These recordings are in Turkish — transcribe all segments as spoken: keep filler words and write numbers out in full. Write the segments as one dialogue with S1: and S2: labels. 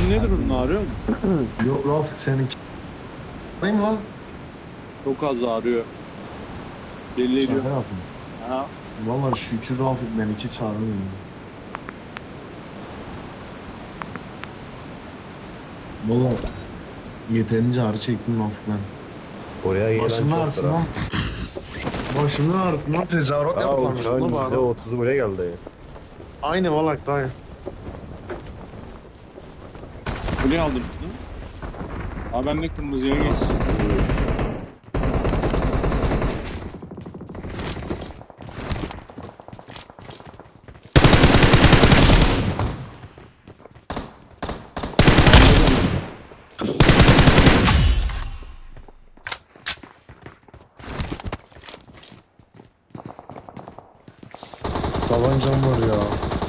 S1: Senin ne durumun ağrıyor mu?
S2: Yok Rafik seninki. Neyim lan?
S1: Çok az ağrıyor. Belli ediyor.
S2: Şaka yaptım.
S1: Ha.
S2: Valla şükür Rafik benimki çağırmıyor. Valla yeterince ağrı çektim Rafik ben.
S3: Oraya gelen
S2: Başımın
S3: çok
S2: ağrısından. Başımın ağrısından tezahürat
S3: Aa,
S2: yapamıyorum.
S3: uçağın
S2: Ne
S3: yüzde
S2: var?
S3: otuzu buraya geldi.
S2: Aynı valla dayı.
S1: Buraya aldım. Aa ben de kırmızıya geç.
S2: Tabancam var ya.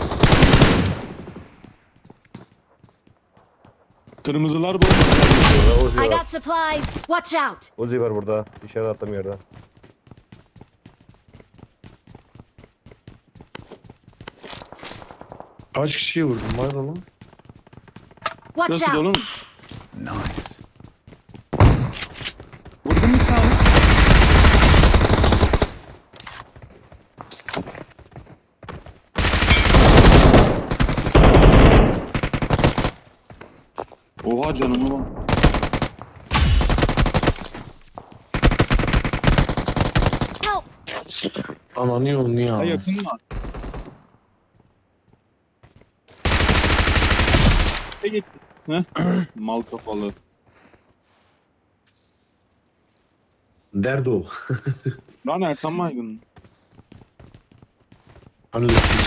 S1: Kırmızılar bu.
S3: Burada Uzi
S4: I
S3: var.
S4: got supplies. Watch out.
S3: Uzi var burada. İçeri attım yerden.
S2: Kaç kişiyi vurdun var oğlum?
S4: Watch
S1: Nasıl dolu
S4: out.
S1: mu? Vurdun mu sen? Oha canım ulan.
S4: Help.
S2: Ananı yolunu ya.
S1: Ha yakın var. Ne gitti? Heh. Mal kafalı.
S2: Derdi o.
S1: Lan Ertan Maygın.
S2: Hani öptük.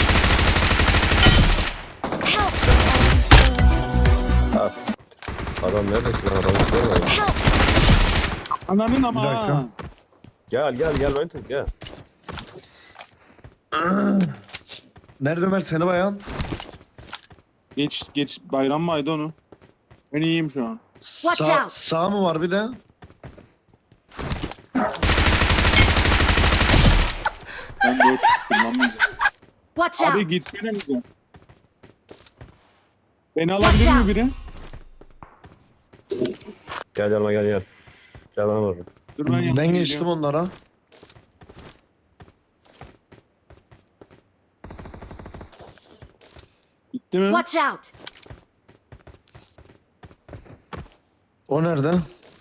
S4: Help.
S3: As. Adam nerede ki lan? Adamı görmeyin.
S4: Help.
S1: Ananın ama.
S2: Bir dakika.
S1: ha.
S3: Gel gel gel ben tut gel.
S2: Nerede Ömer seni bayan?
S1: Geç geç bayram mı aydı onu? Ben iyiyim şu an.
S4: Watch
S2: Sağ,
S4: out.
S2: sağ mı var bir de?
S1: Ben dört kullanmayacağım.
S4: Watch
S1: Abi
S4: out.
S1: gitsene bize. Beni alabilir mi biri?
S3: Gel yanıma gel gel. Gel bana vurun.
S1: Dur ben
S2: Ben,
S1: yanına
S2: geçtim
S1: geliyorum.
S2: onlara.
S1: Gitti mi?
S4: Watch out.
S2: O nerede?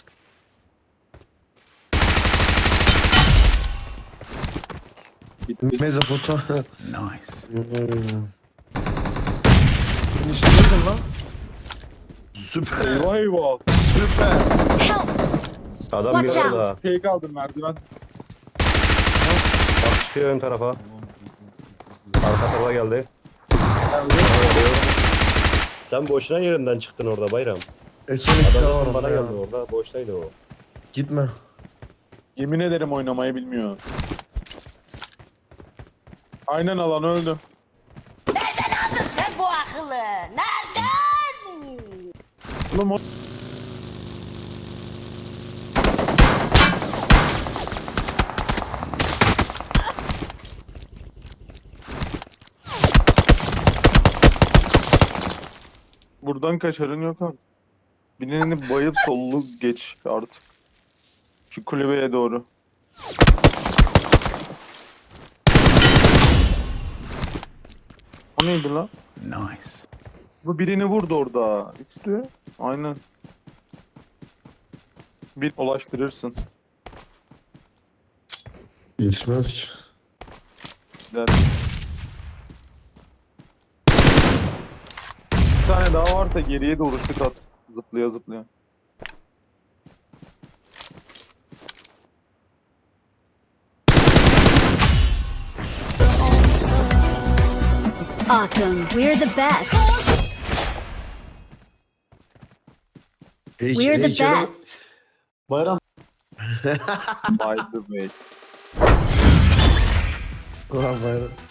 S1: Gitti.
S2: Mezopotamya.
S5: Nice.
S2: Sen işlemedin lan. Süper.
S1: Eyvah eyvah.
S2: Süper.
S4: Help.
S3: Adam bir
S4: Watch out.
S3: orada.
S1: Şey kaldım merdiven.
S3: Bak çıkıyor ön tarafa. Arka tarafa geldi. Sen boşuna yerinden çıktın orada Bayram.
S2: E son iki tane var
S3: Adam bana
S2: orada ya.
S3: geldi orada. Boştaydı o.
S2: Gitme.
S1: Yemin ederim oynamayı bilmiyor. Aynen alan öldü.
S6: Sen bu akıllı. Nereden?
S1: Oğlum o... Buradan kaçarın yok artık. Birini bayıp sollu geç artık. Şu kulübeye doğru. O neydi lan?
S5: Nice.
S1: Bu birini vurdu orada. İşte. Aynen. Bir ulaştırırsın.
S2: Yetmez ki.
S1: Der. Bir tane daha varsa geriye doğru şut at. Zıplaya zıplaya.
S4: Awesome. We're the best.
S2: Hey,
S4: We're the
S2: heykeli-
S4: best.
S2: Bayram.
S1: By the way.
S2: Ulan bayram.